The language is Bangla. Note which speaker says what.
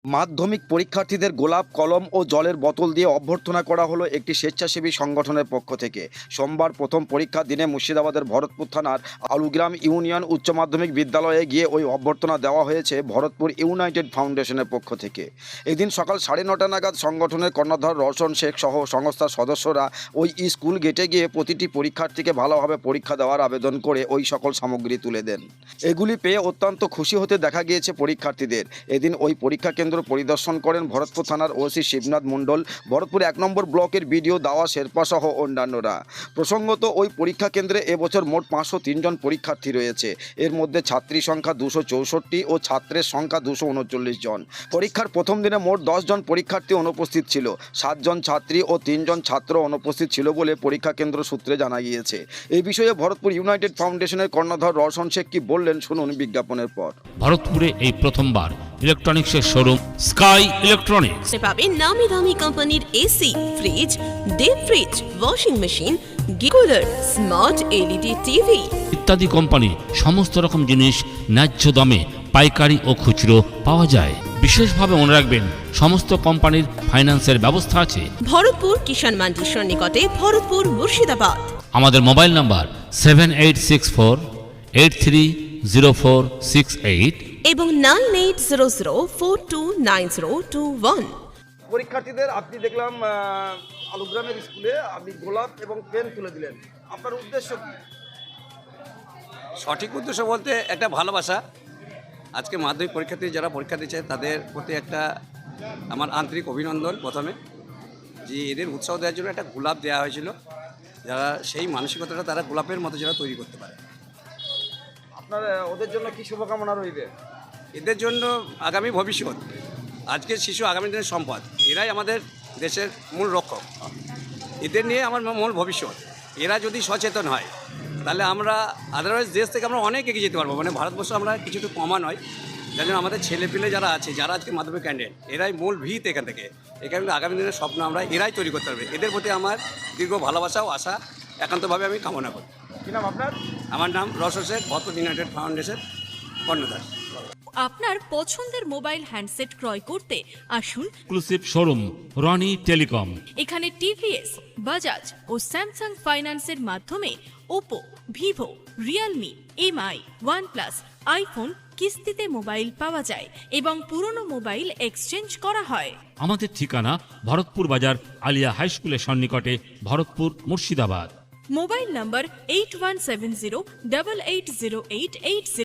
Speaker 1: মাধ্যমিক পরীক্ষার্থীদের গোলাপ কলম ও জলের বোতল দিয়ে অভ্যর্থনা করা হলো একটি স্বেচ্ছাসেবী সংগঠনের পক্ষ থেকে। সোমবার প্রথম পরীক্ষার দিনে মুর্শিদাবাদের ভরতপুর থানার আলুগ্রাম ইউনিয়ন উচ্চ মাধ্যমিক বিদ্যালয়ে গিয়ে ওই অভ্যর্থনা দেওয়া হয়েছে ভরতপুর ইউনাইটেড ফাউন্ডেশনের পক্ষ থেকে। এদিন সকাল 9:30 নাগাদ সংগঠনের কর্ণধার রওশন শেখ সহ সংস্থার সদস্যরা ওই স্কুল গেটে গিয়ে প্রতিটি পরীক্ষার্থীকে ভালোভাবে পরীক্ষা দেওয়ার আবেদন করে ওই সকল সামগ্রী তুলে দেন। এগুলি পেয়ে অত্যন্ত খুশি হতে দেখা গিয়েছে পরীক্ষার্থীদের। এদিন ওই পরীক্ষা কেন্দ্র পরিদর্শন করেন ভরতপুর থানার ওসি শিবনাথ মণ্ডল, ভরতপুর 1 নম্বর ব্লকের বিডিও দাওয়া শেরপা সহ অন্যান্যরা। প্রসঙ্গত, ওই পরীক্ষা কেন্দ্রে এবছর মোট 503 জন পরীক্ষার্থী রয়েছে। এর মধ্যে ছাত্রী সংখ্যা 264 ও ছাত্রের সংখ্যা 239 জন। পরীক্ষার প্রথম দিনে মোট 10 জন পরীক্ষার্থী অনুপস্থিত ছিল। 7 জন ছাত্রী ও 3 জন ছাত্র অনুপস্থিত ছিল বলে পরীক্ষা কেন্দ্র সূত্রে জানা গিয়েছে। এই বিষয়ে ভরতপুর ইউনাইটেড ফাউন্ডেশনের কর্ণধার রওশন শেখ কি বললেন শুনুন বিজ্ঞাপনের পর।
Speaker 2: ভরতপুরে এই প্রথমবার ইলেকট্রনিক্সের শোরুম স্কাই ইলেকট্রনিক্স
Speaker 3: পাবেন নামি দামি কোম্পানির AC, fridge, deep fridge, washing machine, cooler, smart LED TV
Speaker 2: ইত্যাদি কোম্পানি সমস্ত রকম জিনিস ন্যায্য দামে পাইকারি ও খুচরো পাওয়া যায়। বিশেষভাবে মনে রাখবেন, সমস্ত কোম্পানির ফাইন্যান্সের ব্যবস্থা আছে।
Speaker 3: ভরতপুর কিষাণ মান্ডির সন্নিকটে, ভরতপুর, মুর্শিদাবাদ।
Speaker 2: আমাদের মোবাইল নাম্বার 7864830468
Speaker 3: এবং 9800429021।
Speaker 1: পরীক্ষার্থীদের আপনি দেখলাম আলুগ্রামের স্কুলে আপনি গোলাপ এবং পেন তুলে দিলেন, আপনার উদ্দেশ্য কি?
Speaker 4: সঠিক উদ্দেশ্য বলতে একটা ভালোবাসা। আজকে মাধ্যমিক পরীক্ষার্থী যারা পরীক্ষা দিচ্ছে তাদের প্রতি একটা আমার আন্তরিক অভিনন্দন। প্রথমে যে এদের উৎসাহ দেওয়ার জন্য একটা গোলাপ দেওয়া হয়েছিল, যারা সেই মানসিকতাটা তারা গোলাপের মতো যারা তৈরি করতে পারে।
Speaker 1: আপনার ওদের জন্য কি শুভকামনা রইবে?
Speaker 4: এদের জন্য আগামী ভবিষ্যৎ, আজকের শিশু আগামী দিনের সম্পদ, এরাই আমাদের দেশের মূল রক্ষক। এদের নিয়ে আমার মূল ভবিষ্যৎ। এরা যদি সচেতন হয় তাহলে আমরা আদারওয়াইজ দেশ থেকে আমরা অনেক এগিয়ে যেতে পারবো। মানে ভারতবর্ষ আমরা কিছুটা কমা নয়, যার জন্য আমাদের ছেলেপিলে যারা আছে, যারা আজকে মাধ্যমিক ক্যান্ডিডেট, এরাই মূল ভিত এখান থেকে। এখানে আগামী দিনের স্বপ্ন আমরা এরাই তৈরি করতে পারবে। এদের প্রতি আমার দীর্ঘ ভালোবাসা ও আশা একান্তভাবে আমি কামনা করি।
Speaker 1: কি নাম আপনার?
Speaker 4: আমার নাম রওশন শেখ, ভরতপুর ইউনাইটেড ফাউন্ডেশন কর্ণধার।
Speaker 5: আপনার পছন্দের মোবাইল হ্যান্ডসেট ক্রয় করতে আসুন
Speaker 2: এক্সক্লুসিভ শোরুম রনি টেলিকম।
Speaker 5: এখানে টিভিএস, বাজাজ ও স্যামসাং ফাইন্যান্সের মাধ্যমে Oppo, Vivo, Realme, MI, OnePlus, iPhone কিস্তিতে মোবাইল পাওয়া যায় এবং পুরনো মোবাইল এক্সচেঞ্জ করা হয়।
Speaker 2: আমাদের ঠিকানা ভরতপুর বাজার আলিয়া হাই স্কুলের সন্নিকটে, ভরতপুর, মুর্শিদাবাদ।
Speaker 5: মোবাইল নম্বর 8170880880।